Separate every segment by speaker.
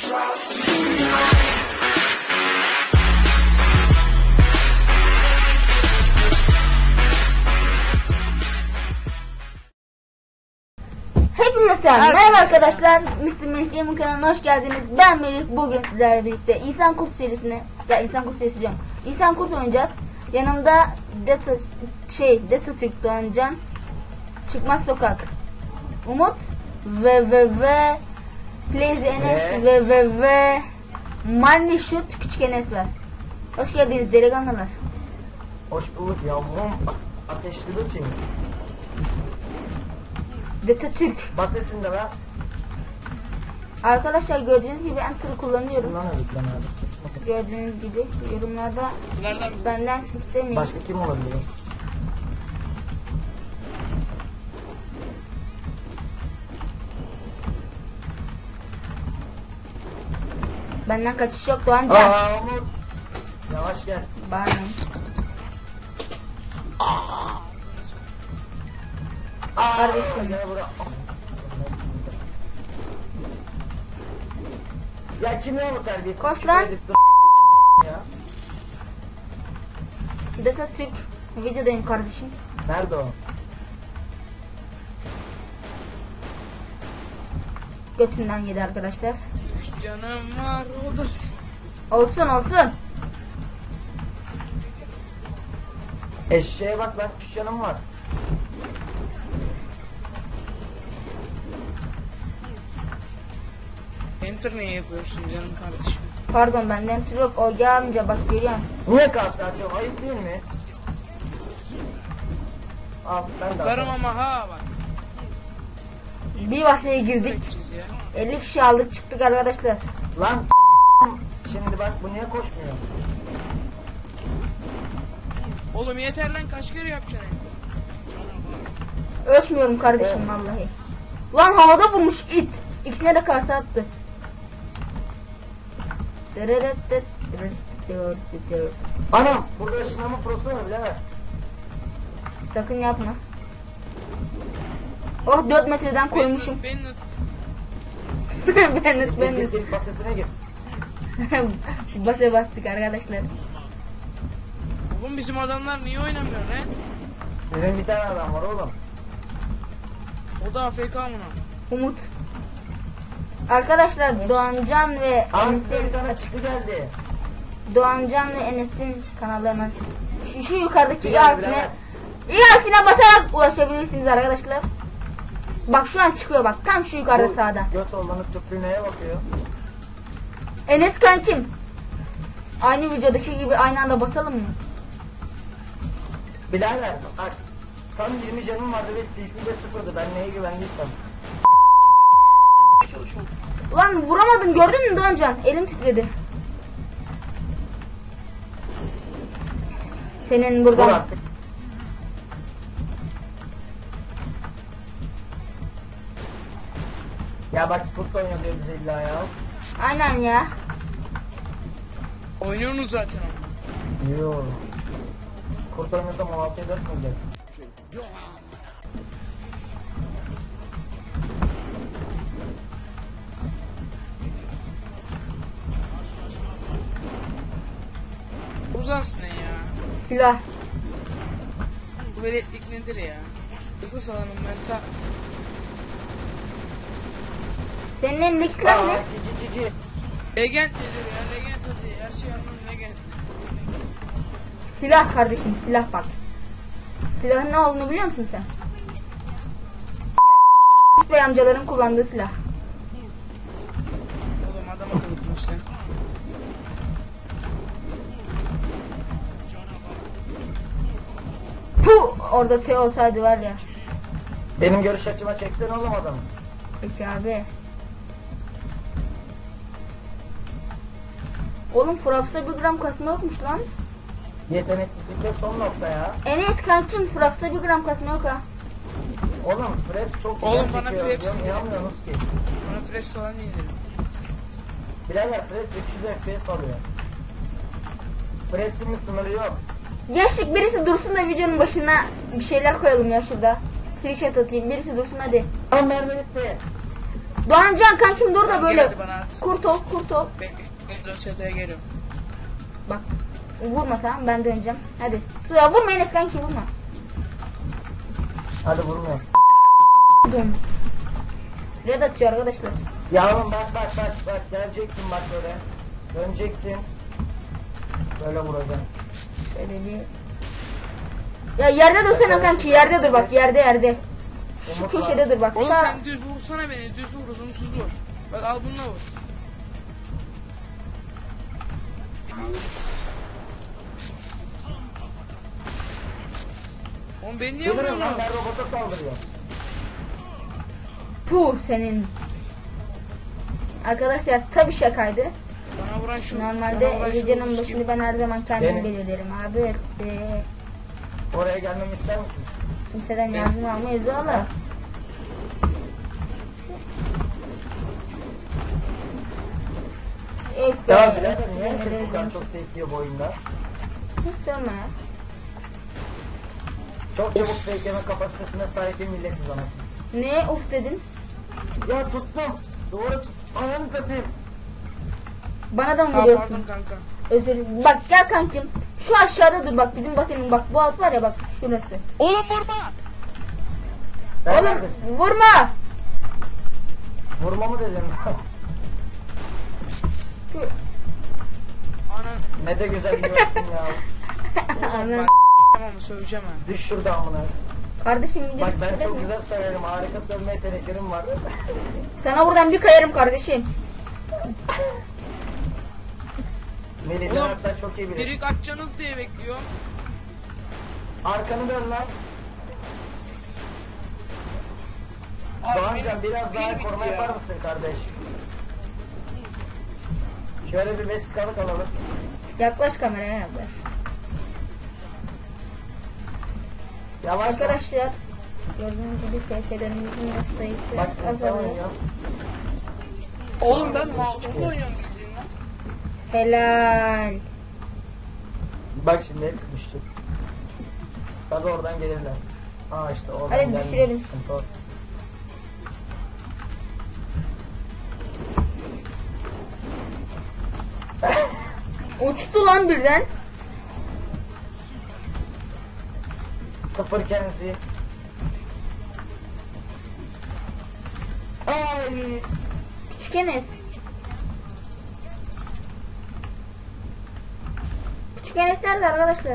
Speaker 1: Hepinize selam. Merhaba arkadaşlar. Mr. Melih Gaming kanalına hoş geldiniz. Ben Melih. Bugün sizlerle birlikte İnsan Kurt serisini, İnsan Kurt serisi diyorum. İnsan Kurt oynayacağız. Yanımda Deta Türk Doğancan, Çıkmaz Sokak, Umut ve Plays Enes ve Money Shoot Küçük Enes var. Hoş geldiniz delikanlılar.
Speaker 2: Hoş bulduk yavrum. Ateşli bir şey.
Speaker 1: Deta Türk.
Speaker 2: Bas sesinde be.
Speaker 1: Arkadaşlar gördüğünüz gibi Enter'ı kullanıyorum.
Speaker 2: Bundan öldük lan abi.
Speaker 1: Gördüğünüz gibi yorumlarda benden istemeyin.
Speaker 2: Başka kim olabilir?
Speaker 1: Benden kaçış yok Doğancan.
Speaker 2: Aa Umut. Yavaş gel.
Speaker 1: Bana. Kardeşim.
Speaker 2: Gel buraya. Ya kim ya bu terbiyesiz?
Speaker 1: Koş lan.
Speaker 2: Ya.
Speaker 1: Deta Türk videodayım kardeşim.
Speaker 2: Nerede o?
Speaker 1: Götünden yedi arkadaşlar.
Speaker 3: Canım var odur.
Speaker 1: Olsun.
Speaker 2: Eşeğe bak lan 3 canım var.
Speaker 3: Enter niye yapıyorsun canım kardeşim?
Speaker 1: Pardon benden enter yok. O amca bak görüyorum.
Speaker 2: Niye kalktı açıyorum? Ayıp değil mi? Al ben de
Speaker 3: Karım
Speaker 2: atarım.
Speaker 3: ama ha bak.
Speaker 1: Bir vasıya girdik.
Speaker 3: Bekçiz ya.
Speaker 1: 50 kişi aldık çıktık arkadaşlar.
Speaker 2: Lan şimdi bak bu niye koşmuyor?
Speaker 3: Oğlum yeter lan kaç kere yapacaksın enter?
Speaker 1: Ölçmüyorum kardeşim vallahi. Lan havada vurmuş it. İkisine de kase attı.
Speaker 2: Anam burada ışınlama prosu var birader.
Speaker 1: Sakın yapma. Oh 4 metreden koymuşum.
Speaker 3: Bennett.
Speaker 1: Bennett.
Speaker 2: Gel basesine gir.
Speaker 1: Basa bastık arkadaşlar.
Speaker 3: Oğlum bizim adamlar niye oynamıyor lan?
Speaker 2: Benim bir tane adam var oğlum.
Speaker 3: O da AFK mı?
Speaker 1: Umut. Arkadaşlar Doğancan ve
Speaker 2: Abi size bir
Speaker 1: Enes'in
Speaker 2: tane çıktı geldi.
Speaker 1: Doğancan ve Enes'in kanallarına şu yukarıdaki i
Speaker 2: Biraz,
Speaker 1: harfine basarak ulaşabilirsiniz arkadaşlar. Bak şu an çıkıyor bak tam şu yukarıda
Speaker 2: Bu
Speaker 1: sağda.
Speaker 2: Göt olanıp tıpkı neye bakıyor?
Speaker 1: Enes kankim. Aynı videodaki gibi aynı anda basalım mı?
Speaker 2: Birader bak. Tam 20 canım vardı ve TP de sıfırdı. Ben neye güvendiysem.
Speaker 1: Ulan vuramadım gördün mü Doğancan? Elim titredi. Senin
Speaker 2: Vur
Speaker 1: buradan
Speaker 2: artık. Ya bak kurt oynuyor diyor bize illa ya.
Speaker 1: aynen ya.
Speaker 3: Oynuyorsunuz zaten ama.
Speaker 2: Yoo. Kurt oynuyorsa 16'ya 4 mü olacak?
Speaker 3: Uzansın ne ya?
Speaker 1: Silah.
Speaker 3: Bu veletlik nedir ya? Yoksa salanım ben ta...
Speaker 1: Senin elindeki silah ne?
Speaker 2: Cici.
Speaker 3: Legend nedir ya? Legend hadi. Her şey anlamı legend.
Speaker 1: Silah kardeşim silah bak. Silahın ne olduğunu biliyor musun sen? Bey amcaların kullandığı silah.
Speaker 3: Oğlum adam akıllı konuş lan.
Speaker 1: Puh! Orada T olsaydı var ya.
Speaker 2: Benim görüş açıma çeksene oğlum adamı.
Speaker 1: Peki abi. Oğlum Fraps'ta 1 gram kasma yokmuş lan.
Speaker 2: Yeteneksizlikte son nokta ya.
Speaker 1: Enes kankim Fraps'ta 1 gram kasma yok ha.
Speaker 2: Oğlum Fred çok
Speaker 3: Oğlum
Speaker 2: güzel
Speaker 3: bana
Speaker 2: çekiyor.
Speaker 3: Fred
Speaker 2: Diyorum,
Speaker 3: sinir.
Speaker 2: inanmıyorsunuz ki.
Speaker 3: Bana fresh falan indir.
Speaker 2: Birader Fred 300 FPS alıyor. Fred şimdi sınırı yok.
Speaker 1: Gençlik birisi dursun da videonun başına bir şeyler koyalım ya şurada. Trickshot atayım birisi dursun hadi.
Speaker 2: Tamam mermi bitti.
Speaker 1: Doğancan kankim dur da
Speaker 3: Tamam,
Speaker 1: böyle
Speaker 3: gel hadi bana at.
Speaker 1: kurt ol.
Speaker 3: Bekle. Ben çatıya geliyorum.
Speaker 1: Bak vurma tamam ben döneceğim. Hadi. Suya vurma Enes kanki vurma.
Speaker 2: Hadi vurmuyorum.
Speaker 1: Dön. Red atıyor arkadaşlar.
Speaker 2: Yavrum bak geleceksin bak böyle. Döneceksin. Böyle vuracaksın.
Speaker 1: Şöyle bir. Ya yerde dursana kanki yerde dur bak yerde. Şu
Speaker 2: Umut var.
Speaker 1: köşede dur bak.
Speaker 3: Oğlum
Speaker 1: Ta-
Speaker 3: sen düz vursana beni. Düz vur, uzunsuz vur. Bak al bununla vur. Oğlum beni niye
Speaker 2: Yıldırım lan
Speaker 3: vuruyorsun?
Speaker 2: ben robota saldırıyorum.
Speaker 1: Puh senin. Arkadaşlar tabii şakaydı.
Speaker 3: Bana vuran şu.
Speaker 1: Normalde
Speaker 3: bana vuran şu
Speaker 1: videonun
Speaker 3: vurmuş
Speaker 1: başını
Speaker 3: gibi.
Speaker 1: ben her zaman kendim
Speaker 2: Benim.
Speaker 1: belirlerim abi.
Speaker 2: Oraya gelmemi ister misin?
Speaker 1: Kimseden yardım almayız oğlum.
Speaker 2: Ya birader niye herkes bu kadar çok sevdiyor bu oyunda?
Speaker 1: Hiç sorma ya.
Speaker 2: Çok çabuk bekleme kapasitesine sahip bir milletiz ona.
Speaker 1: Ne of dedin?
Speaker 2: Ya tuttum. Doğru tut. Ananı satayım.
Speaker 1: Bana da mı
Speaker 3: Aa,
Speaker 1: vuruyorsun?
Speaker 3: pardon kanka.
Speaker 1: Özür dilerim. Bak gel kankim. Şu aşağıda dur bak bizim basenin bak bu alt var ya bak şurası.
Speaker 3: Oğlum vurma.
Speaker 2: Ben
Speaker 1: Oğlum
Speaker 2: neredeyim?
Speaker 1: vurma.
Speaker 2: Vurma mı dedim?
Speaker 3: Anan.
Speaker 2: Ne de güzel yiyorsun ya.
Speaker 1: Anan.
Speaker 3: Tamam söyleyeceğim ha.
Speaker 2: Düş şurada amına.
Speaker 1: Kardeşim video
Speaker 2: Bak ben
Speaker 1: bitirdi
Speaker 2: çok
Speaker 1: mi?
Speaker 2: güzel söylerim. Harika sövme yeteneklerim var.
Speaker 1: Sana buradan bir kayarım kardeşim.
Speaker 2: Melih
Speaker 3: Oğlum,
Speaker 2: hatta çok iyi bilir.
Speaker 3: Direkt açacaksınız diye bekliyor.
Speaker 2: Arkanı dön lan. Doğancan biraz daha
Speaker 3: bir
Speaker 2: koruma
Speaker 3: bitti ya.
Speaker 2: yapar mısın kardeş? Şöyle bir vesikalık alalım.
Speaker 1: Yaklaş kameraya yaklaş.
Speaker 2: Yavaş lan.
Speaker 1: Arkadaşlar gördüğünüz gibi SS'lerimizin sayısı
Speaker 2: Bak insan
Speaker 1: azalıyor.
Speaker 2: oynuyor.
Speaker 3: Oğlum ben mouse'la oynuyorum bildiğin lan.
Speaker 1: Helal.
Speaker 2: Bak şimdi hep düştü. Tabi oradan gelirler. Aa işte oradan
Speaker 1: Hadi
Speaker 2: gelmiyor.
Speaker 1: düşürelim.
Speaker 2: Sıkıntı o.
Speaker 1: Uçtu lan birden.
Speaker 2: Sıfır kendisi. Ay.
Speaker 1: Küçük Enes. Küçük Enes nerede arkadaşlar?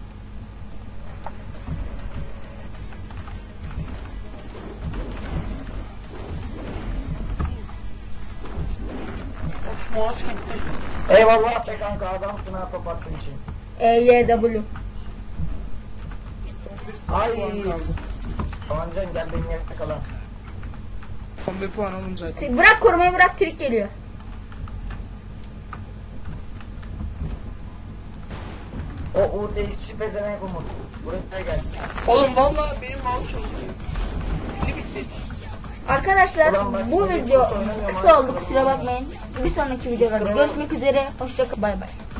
Speaker 3: Of mouse gitti.
Speaker 2: Eyvallah be kanka adamsın ha top attığın için.
Speaker 1: EYW.
Speaker 2: Ay.
Speaker 3: Puan kaldı.
Speaker 2: Doğancan gel beni yakala.
Speaker 3: 11 puan oğlum zaten.
Speaker 1: Bırak korumayı bırak trik geliyor.
Speaker 2: O UTX'çi pezevenk Umut. Buraya gel.
Speaker 3: Oğlum vallahi benim mouse çalışıyor. Ne bitti?
Speaker 1: Arkadaşlar
Speaker 2: Ulan bak,
Speaker 1: bu
Speaker 2: bu
Speaker 1: video
Speaker 2: oynamıyorum
Speaker 1: kısa
Speaker 2: abi.
Speaker 1: oldu kusura bakmayın. Bir sonraki videolarda görüşmek üzere. Hoşçakalın. Bay bay.